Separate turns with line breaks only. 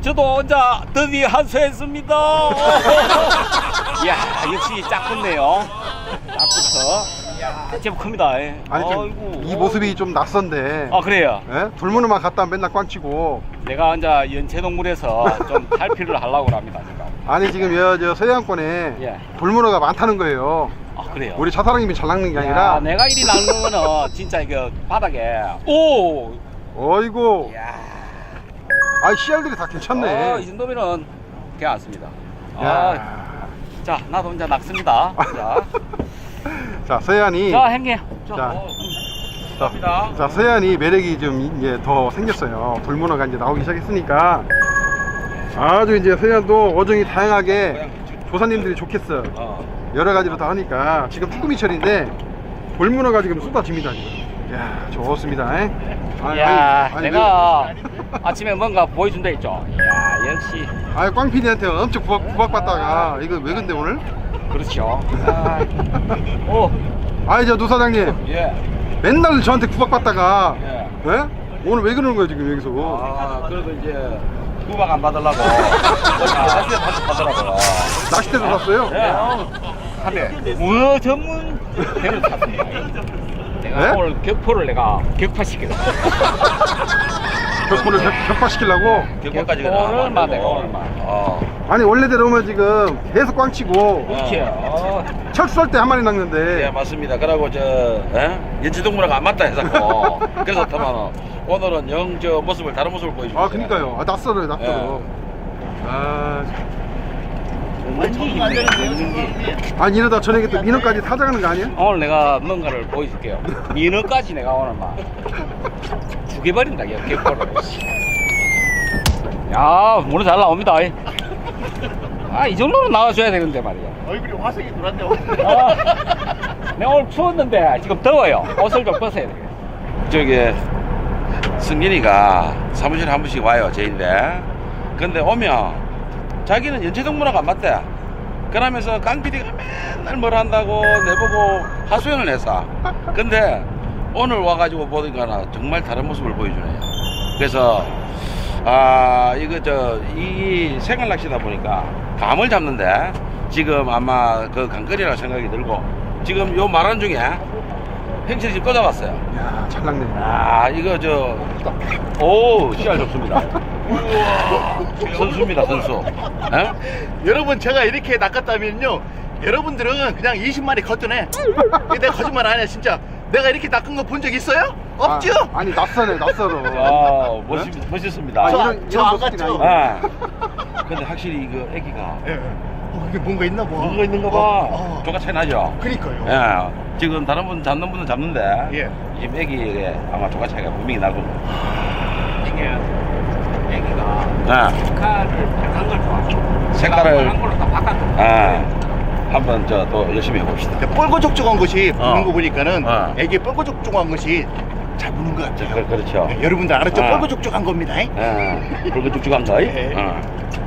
저도 혼자 드디어 한수했습니다. 이야, 역시 짝 붙네요. 짝부터. 이야, 제법 큽니다. 예.
아니 좀 이 모습이 좀 낯선데.
아, 그래요.
예? 돌문어만 갖다 맨날 꽝치고.
내가 혼자 연체동물에서 좀 탈피를 하려고 합니다, 지금.
아니 지금 저 서해안권에
예.
돌문어가 많다는 거예요.
아, 그래요.
우리 차사랑님이 잘 낚는 게
야,
아니라.
내가 이리 낚는 거는 진짜 이거 바닥에. 오!
어이구.
이야.
아 씨알들이 다 괜찮네.
이 정도면은 괜찮습니다.
야.
자, 나도 혼자 낚습니다. 자,
자 서해안이.
자, 행님.
자.
감사합니다.
자 서해안이 매력이 좀 이제 더 생겼어요. 돌문어가 이제 나오기 시작했으니까 아주 이제 서해안도 어종이 다양하게 조사님들이 좋겠어. 여러 가지로 다 하니까 지금 쭈꾸미철인데 돌문어가 지금 쏟아집니다 지금. 야 좋습니다.
야, 내가 아침에 뭔가 보여준다 했죠. 이야, 역시.
꽝 PD한테 엄청 구박받다가 이거 왜 근데 오늘?
그렇죠. 오.
저 노 사장님
예.
맨날 저한테 구박받다가
예.
예? 오늘 왜 그러는 거예요 지금 여기서?
그래도 이제 구박 안 받으려고. 낚시대 받으라고.
낚싯대도 샀어요?
네. 문어 전문 배를 탔습니다. 내가
네?
오늘 격포를 내가 격파시키다.
격포를 격파시키려고?
격포까지 오늘만 내가 오늘만.
아니 원래대로 오면 지금 계속 꽝치고
그렇죠.
철수할 때 한 마리 낚는데
예, 맞습니다. 그러고 연체동물하고 안 맞다 해서 그래서 다만 오늘은 영 저 모습을 다른 모습을 보여줍니다.
그니까요. 낯설어요 낯설어. 아니 이러다 저녁에 또 민어까지 사장하는 거 아니야?
오늘 내가 뭔가를 보여줄게요. 민어까지 내가 오늘 막 죽여버린다, 격포를. 야, 문어 잘 나옵니다. 이 정도는 나와줘야 되는데 말이야.
얼굴이 화색이 돌았네.
내가 오늘 추웠는데 지금 더워요. 옷을 좀 벗어야 돼.
저기 승진이가 사무실에 한 번씩 와요, 제인데. 근데 오면 자기는 연체동물하고 안 맞대. 그러면서 깡PD가 맨날 뭘 한다고 내보고 하소연을 했어. 근데 오늘 와가지고 보니까 정말 다른 모습을 보여주네요. 그래서 이거 이 생활 낚시다 보니까 감을 잡는데 지금 아마 그 강거리라고 생각이 들고 지금 요 말한 중에 행실이 지금 또 잡았어요.
야, 잘 낚네.
이거 오, 씨알 좋습니다. 선수입니다, 선수. 에?
여러분 제가 이렇게 낚았다면요, 여러분들은 그냥 20마리 걷더네. 내가 거짓말 안 해, 진짜. 내가 이렇게 낚은 거 본 적 있어요? 없죠?
아니 낯설어 낯설어.
멋있습니다.
저 안 갔죠?
근데 확실히 이거 애기가
예. 이게 뭔가 있나 봐.
뭔가 있는가 봐. 조가 차이 나죠?
그니까요.
예. 지금 다른 분 잡는 분은 잡는데
예.
지금 애기에 아마 조가 차이가 분명히 나고.
이게 애기가
예.
색깔을 빨간 걸 좋아하죠.
색깔을
빨간 걸로 다 바꿨어.
한번 또 열심히 해봅시다.
뻘거족족한 것이 보는 거 보니까는 애기 뻘거족족한 것이 잘 보는 것 같아요.
그렇죠.
네, 여러분들 알았죠?
아.
뻘거족족한 겁니다.
붉은 쭉쭉한 거.
예.